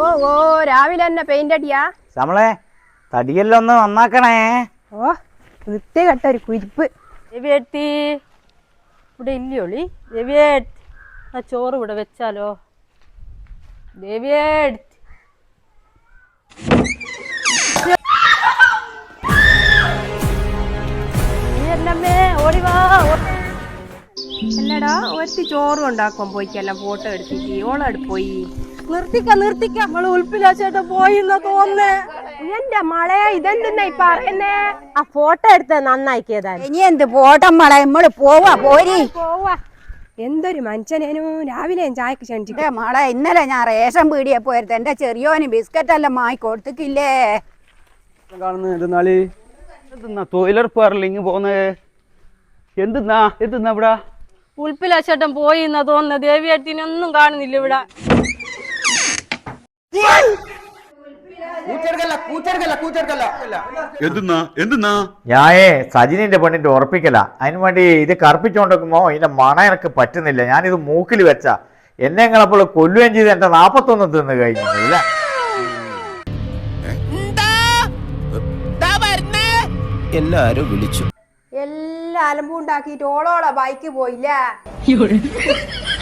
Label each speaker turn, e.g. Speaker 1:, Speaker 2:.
Speaker 1: ഓ ഓ രാവിലെ തന്നെ പെയിന്റ് അടിയാ
Speaker 2: നമ്മളെ തടിയെല്ലാം ഒന്ന് നന്നാക്കണേ.
Speaker 1: ഓ വൃത്തികെട്ട ഒരു കുരിപ്പ്.
Speaker 3: രവിയേട്ടി ഇവിടെ ഇല്ലയോളി? രവിയേട്ട് ആ ചോറ് ഇവിടെ വെച്ചാലോ? രവിയേട്ട് എന്നമ്മേ ഓടിവാ.
Speaker 1: അല്ലടാ ഒത്തി ചോറും ഉണ്ടാക്കാൻ പോയിക്കെല്ലാം ഫോട്ടോ എടുത്തിട്ട് ഓളോട് പോയി.
Speaker 3: നിർത്തിക്ക നമ്മള് ഉൽപ്പിലാച്ചേട്ട പോയിന്നാ തോന്നേ.
Speaker 1: എന്റെ മളെ ഇതെന്തെന്നാ ഈ പറയുന്നേ?
Speaker 3: ആ ഫോട്ടോ എടുത്ത നന്നാക്കിയതാ.
Speaker 4: ഇനി എന്ത് പോട്ടം മളെ, നമ്മള് പോരി
Speaker 1: പോവാ. എന്തൊരു മനുഷ്യനേനു രാവിലെ ചായക്ക് ക്ഷണിച്ചിട്ട്.
Speaker 4: മളെ ഇന്നലെ ഞാൻ റേഷൻ പീടിയെ പോയത് എന്റെ ചെറിയോന് ബിസ്ക്കറ്റ് എല്ലാം വാങ്ങി കൊടുത്തിട്ടില്ലേ?
Speaker 2: തൊഴിലുറപ്പ് പറഞ്ഞില്ല പോകുന്നത്. എന്തെന്നാ ഇവിടെ
Speaker 3: ഉൽപ്പിലാച്ചേട്ടൻ പോയിന്നാ തോന്നുന്നത്. ദേവിയേട്ടിനൊന്നും കാണുന്നില്ല ഇവിടെ.
Speaker 5: ഞായേ സജിനിന്റെ പെണ്ണിന്റെ ഉറപ്പിക്കല. അതിനു വേണ്ടി ഇത് കറുപ്പിച്ചോണ്ടിരിക്കുമ്പോ ഇതിന്റെ മണ എനിക്ക് പറ്റുന്നില്ല. ഞാനിത് മൂക്കിൽ വെച്ച എന്നെ നിങ്ങളപ്പോൾ കൊല്ലുകയും ചെയ്ത് എന്റെ 41 തിന്ന് കഴിഞ്ഞില്ല.
Speaker 6: എല്ലാരും വിളിച്ചു.
Speaker 1: എല്ലാം അലമ്പുണ്ടാക്കിട്ട് ഓളോളെ ബൈക്ക് പോയില്ല.